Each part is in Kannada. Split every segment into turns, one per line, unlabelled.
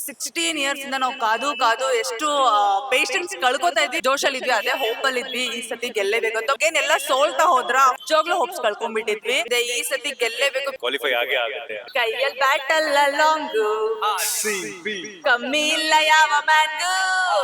16 ಇಯರ್ಸ್ ಇಂದ ನಾವು ಕಾದು ಕಾದು ಎಷ್ಟು ಪೇಷನ್ಸ್ ಕಳ್ಕೊತಾ ಇದ್ವಿ, ಜೋಶಲ್ಲಿ ಇದ್ವಿ, ಅದೇ ಹೋಪ್ ಅಲ್ಲಿ ಇದ್ವಿ. ಈ ಸತಿ ಗೆಲ್ಲೇಬೇಕು ಅಂತ ಏನೆಲ್ಲ ಸೋಲ್ತಾ ಹೋದ್ರ ನಿಜವಾಗ್ಲೂ ಹೋಪ್ಸ್ ಕಳ್ಕೊಂಡ್ಬಿಟ್ಟಿದ್ವಿ. ಈ ಸತಿ ಗೆಲ್ಲೇಬೇಕು,
ಕ್ವಾಲಿಫೈ ಆಗೇ ಆಗುತ್ತೆ.
ಕೈಯಲ್ಲಿ ಬ್ಯಾಟಲ್ ಲಾಂಗ್ ಕಮ್ಮಿ ಇಲ್ಲ ಯಾವ ಮ್ಯಾಂಗು.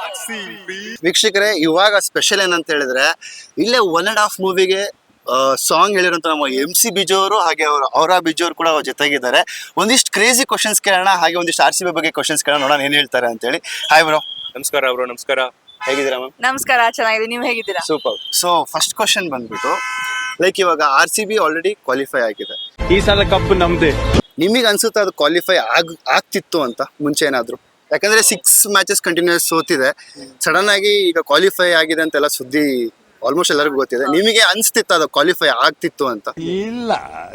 ವೀಕ್ಷಕರೇ, ಇವಾಗ ಸ್ಪೆಷಲ್ ಏನಂತ ಹೇಳಿದ್ರೆ ಇಲ್ಲೇ 1.5 ಮೂವಿಗೆ ಸಾಂಗ್ ಹೇಳಿರೋಂಥ ನಮ್ಮ MC ಬಿಜು ಅವರು ಹಾಗೆ ಅವರ ಬಿಜು ಅವರು ಕೂಡ ಅವ್ರ ಜೊತೆಗಿದ್ದಾರೆ. ಒಂದಿಷ್ಟು ಕ್ರೇಜಿ ಕ್ವಶನ್ಸ್ ಕೇಳೋಣ, ಹಾಗೆ ಒಂದಿಷ್ಟು RCB ಬಗ್ಗೆ ಕ್ವಶನ್ಸ್ ಕೇಳೋಣ, ನೋಡೋಣ ಏನ್ ಹೇಳ್ತಾರೆ ಅಂತೇಳಿ. Hi bro.
ನಮಸ್ಕಾರ ಬ್ರೋ. ನಮಸ್ಕಾರ.
ಹೇಗಿದ್ದೀರಾ ಮ್ಯಾಮ್?
ನಮಸ್ಕಾರ, ಚೆನ್ನಾಗಿದೆ, ನೀವು ಹೇಗಿದ್ದೀರಾ?
ಸೂಪರ್. ಸೊ ಫಸ್ಟ್ ಕ್ವಶನ್ ಬಂದ್ಬಿಟ್ಟು, ಲೈಕ್ ಇವಾಗ RCB ಆಲ್ರೆಡಿ ಕ್ವಾಲಿಫೈ ಆಗಿದೆ,
ಈ ಸಲ ಕಪ್ ನಮ್ದೇ.
ನಿಮಗೆ ಅನ್ಸುತ್ತೆ ಅದು ಕ್ವಾಲಿಫೈ ಆಗ್ತಿತ್ತು ಅಂತ ಮುಂಚೆ ಏನಾದ್ರು? ಯಾಕಂದ್ರೆ 6 ಮ್ಯಾಚಸ್ ಕಂಟಿನ್ಯೂಸ್ ಸೋತಿದೆ, ಸಡನ್ ಆಗಿ ಈಗ ಕ್ವಾಲಿಫೈ ಆಗಿದೆ ಅಂತೆಲ್ಲ ಸುದ್ದಿ ಆಲ್ಮೋಸ್ಟ್ ಎಲ್ಲರಿಗೂ ಗೊತ್ತಿದೆ. ನಿಮಗೆ ಅನ್ಸ್ತಿತ್ತು ಅದು ಕ್ವಾಲಿಫೈ ಆಗ್ತಿತ್ತು ಅಂತ?
ಇಲ್ಲ,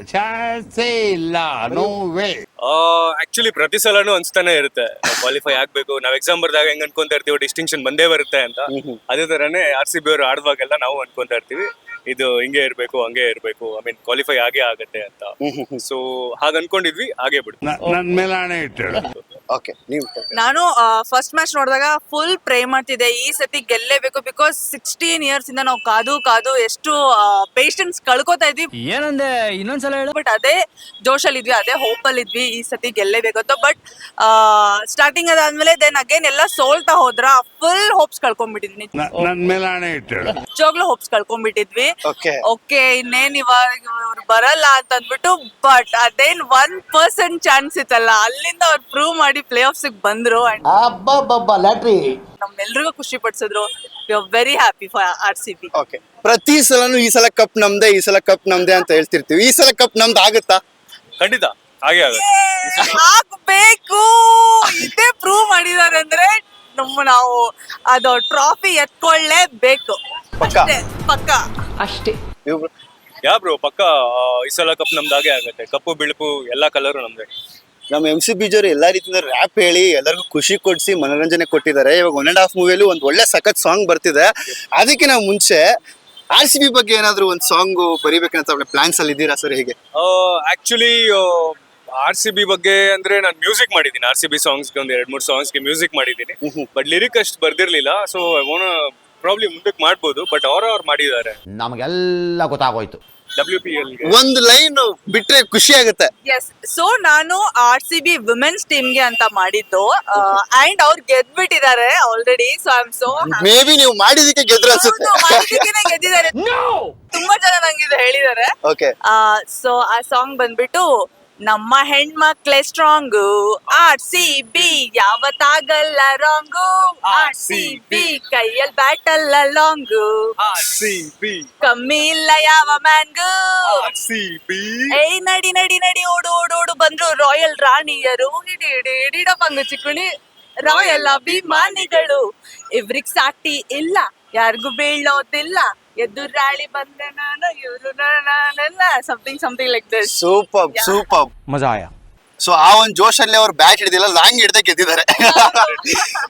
ಚಾನ್ಸೇ ಇಲ್ಲ, ನೋ ವೇ.
ಆಕ್ಚುಲಿ ಪ್ರತಿ ಸಲನೂ ಅನ್ಸ್ತಾನೆ ಇರುತ್ತೆ ಕ್ವಾಲಿಫೈ ಆಗ್ಬೇಕು. ನಾವ್ ಎಕ್ಸಾಮ್ ಬರ್ದಾಗ ಹೆಂಗ್ ಅನ್ಕೊಂತಾ ಇರ್ತೀವಿ ಡಿಸ್ಟಿಂಕ್ಷನ್ ಬಂದೇ ಬರುತ್ತೆ ಅಂತ, ಅದೇ ತರನೇ RCB ಅವರು ಆಡುವಾಗೆಲ್ಲ ನಾವು ಅನ್ಕೊಂತಾ ಇರ್ತೀವಿ ಇದು ಹಿಂಗೆ ಇರ್ಬೇಕು ಹಂಗೆ ಇರ್ಬೇಕು, ಐ ಮೀನ್ ಕ್ವಾಲಿಫೈ ಆಗೇ ಆಗತ್ತೆ ಅಂತ. ಸೊ ಹಾಗ ಅನ್ಕೊಂಡಿದ್ವಿ, ಹಾಗೆ ಬಿಡು.
ನನ್ ಮೇಲೆ ಹಣೆ ಇಟ್ಟಳು.
ಓಕೆ, ನೀವು?
ನಾನು ಫಸ್ಟ್ ಮ್ಯಾಚ್ ನೋಡಿದಾಗ ಫುಲ್ ಪ್ರೇ ಮಾಡ್ತಿದ್ದೆ ಈ ಸತಿ ಗೆಲ್ಲೇಬೇಕು, ಬಿಕಾಸ್ 16 ಇಯರ್ಸ್ ಇಂದ ನಾವು ಕಾದು ಕಾದು ಎಷ್ಟು ಪೇಷನ್ಸ್ ಕಳ್ಕೊತಾ ಇದ್ವಿ.
ಏನಂದೆ ಇನ್ನೊಂದ್ಸಲ ಹೇಳು.
ಬಟ್ ಅದೇ ಜೋಶಲ್ಲಿ ಇದ್ವಿ, ಅದೇ ಹೋಪ್ ಅಲ್ಲಿ ಇದ್ವಿ, ಈ ಸತಿ ಗೆಲ್ಲೇಬೇಕು ಅಂತ. ಬಟ್ ಸ್ಟಾರ್ಟಿಂಗ್ ಅದಾದ್ಮೇಲೆ ದೆನ್ ಅಗೇನ್ ಎಲ್ಲ ಸೋಲ್ತಾ ಹೋದ್ರ ಫುಲ್ ಹೋಪ್ಸ್ ಕಳ್ಕೊಂಡ್ಬಿಟ್ಟಿದ್ವಿ.
ನನ್ ಮೇಲೆ ಹಣೆ ಇಟ್ಟಳು.
ನಿಜವಾಗ್ಲೂ ಹೋಪ್ಸ್ ಕಳ್ಕೊಂಡ್ಬಿಟ್ಟಿದ್ವಿ.
ಓಕೆ,
ಇನ್ನೇನ್ ಇವಾಗ ಇವ್ರು ಬರಲ್ಲ ಅಂತ ಅಂದ್ಬಿಟ್ಟು, ಬಟ್ ಅದೇನ್ 1% ಚಾನ್ಸ್ ಇತ್ತಲ್ಲ, ಅಲ್ಲಿಂದ ಅವ್ರು ಪ್ರೂವ್ ಮಾಡಿ ಪ್ಲೇ ಆಫ್ಸ್ ಬಂದ್ರು.
ಲ್ಯಾಟ್ರಿ
ನಮ್ಮೆಲ್ರಿಗೂ ಖುಷಿ ಪಡಿಸಿದ್ರು. We are very happy for RCB.
ಓಕೆ. ಪ್ರತಿ ಸಲನು ಈ ಸಲ ಕಪ್ ನಮ್ದೇ, ಈ ಸಲ ಕಪ್ ನಮ್ದೇ ಅಂತ ಹೇಳ್ತಿರ್ತೀವಿ. ಈ ಸಲ ಕಪ್ ನಮ್ದು ಆಗುತ್ತಾ?
ಖಂಡಿತ ಹಾಗೆ ಆಗುತ್ತೆ.
ಆಗ್ಬೇಕು, ಇದೇ ಪ್ರೂವ್ ಮಾಡಿದಾರೆ ಅಂದ್ರೆ ನಾವು ಅದು ಟ್ರಾಫಿ ಎತ್ಕೊಳ್ಳೇಬೇಕು.
ಪಕ್ಕ?
ಅಷ್ಟೇ, ಪಕ್ಕ ಅಷ್ಟೇ.
ಇವ್ರು
ಯಾ ಬ್ರೋ, ಪಕ್ಕ ಈ ಸಲ ಕಪ್ ನಮ್ದು ಹಾಗೆ ಆಗುತ್ತೆ. ಕಪ್ಪು ಬಿಳುಪು ಎಲ್ಲಾ ಕಲರು ನಮ್ದೇ.
ನಮ್ಮ MC ಬಿಜು ಅವರು ಎಲ್ಲಾ ರೀತಿಯಿಂದ ರ್ಯಾಪ್ ಹೇಳಿ ಎಲ್ಲರಿಗೂ ಖುಷಿ ಕೊಡಿಸಿ ಮನೋರಂಜನೆ ಕೊಟ್ಟಿದ್ದಾರೆ. ಇವಾಗ 1.5 ಮೂವಿಯಲ್ಲಿ ಒಂದು ಒಳ್ಳೆ ಸಖತ್ ಸಾಂಗ್ ಬರ್ತಿದೆ. ಅದಕ್ಕೆ ನಾವು ಮುಂಚೆ RCB ಬಗ್ಗೆ ಏನಾದ್ರು ಒಂದು ಸಾಂಗ್ ಬರಿಬೇಕಂತ ಪ್ಲಾನ್ಸ್ ಅಲ್ಲಿ ಇದ್ದೀರಾ ಸರ್? ಹೇಗೆ?
ಆಕ್ಚುಲಿ RCB ಬಗ್ಗೆ ಅಂದ್ರೆ ನಾನು ಮ್ಯೂಸಿಕ್ ಮಾಡಿದ್ದೀನಿ. RCB ಸಾಂಗ್ಸ್ಗೆ ಒಂದು 2-3 ಸಾಂಗ್ಸ್ಗೆ ಮ್ಯೂಸಿಕ್ ಮಾಡಿದ್ದೀನಿ, ಬಟ್ ಲಿರಿಕ್ ಅಷ್ಟು ಬರ್ದಿರ್ಲಿಲ್ಲ. ಸೊ ಪ್ರಾಬ್ಲಿ ಮುಂದಕ್ಕೆ ಮಾಡ್ಬೋದು, ಬಟ್ ಅವ್ರು ಮಾಡಿದ್ದಾರೆ.
ನಮಗೆಲ್ಲ ಗೊತ್ತಾಗೋಯ್ತು.
WPL
ಒಂದು ಲೈನ್ ಬಿಟ್ರೆ ಖುಷಿ ಆಗುತ್ತೆ.
ಎಸ್, ಸೊ ನಾನು RCB ವಿಮೆನ್ಸ್ ಟೀಮ್ಗೆ ಅಂತ ಮಾಡಿದ್ದು, ಅಂಡ್ ಅವ್ರು ಗೆದ್ಬಿಟ್ಟಿದ್ದಾರೆ already. So I am so
maybe ನೀವು ಮಾಡಿದಕ್ಕೆ ಗೆದ್ರು ಅನ್ಸುತ್ತೆ.
ಗೆದ್ದಿದ್ದಾರೆ, ತುಂಬಾ ಜನ ನಂಗೆ ಇದು ಹೇಳಿದ್ದಾರೆ.
ಓಕೆ.
ಸೊ ಆ ಸಾಂಗ್ ಬಂದ್ಬಿಟ್ಟು, ನಮ್ಮ ಹೆಣ್ಮಕ್ಳೇ ಸ್ಟ್ರಾಂಗು, RCB ಯಾವತ್ತಾಗಲ್ಲ ರಾಂಗು, RCB ಕೈಯಲ್ಲಿ ಬ್ಯಾಟಲ್ ಲಾಂಗು,
RCB
ಕಮ್ಮಿ ಇಲ್ಲ ಯಾವ ಮ್ಯಾಂಗು,
RCB
ಏಯ್ ನಡಿ ನಡಿ ನಡಿ ಓಡು ಓಡು ಓಡು ಬಂದ್ರು ರಾಯಲ್ ರಾಣಿಯರು, ಹಿಡಿಡಪಂಗು ಚಿಕ್ಕುಣಿ ರಾಯಲ್ ಅಭಿಮಾನಿಗಳು, ಇವ್ರಿಗ್ ಸಾಟಿ ಇಲ್ಲ, ಯಾರಿಗೂ ಬೀಳೋದಿಲ್ಲ, ಎದುರಾಳಿ ಬಂದೆ ನಾನು, ಇವ್ರು ನಾನೆಲ್ಲ ಸಮಥಿಂಗ್ ಲೈಕ್ ದಿಸ್.
ಸೂಪರ್.
ಮಜಾ ಆಯಾ.
ಸೊ ಆ ಒಂದು ಜೋಶಲ್ಲಿ ಅವ್ರು ಬ್ಯಾಟ್ ಹಿಡಿದಿಲ್ಲ, ಲಾಂಗ್ ಹಿಡ್ದೆ ಗೆದ್ದಿದ್ದಾರೆ.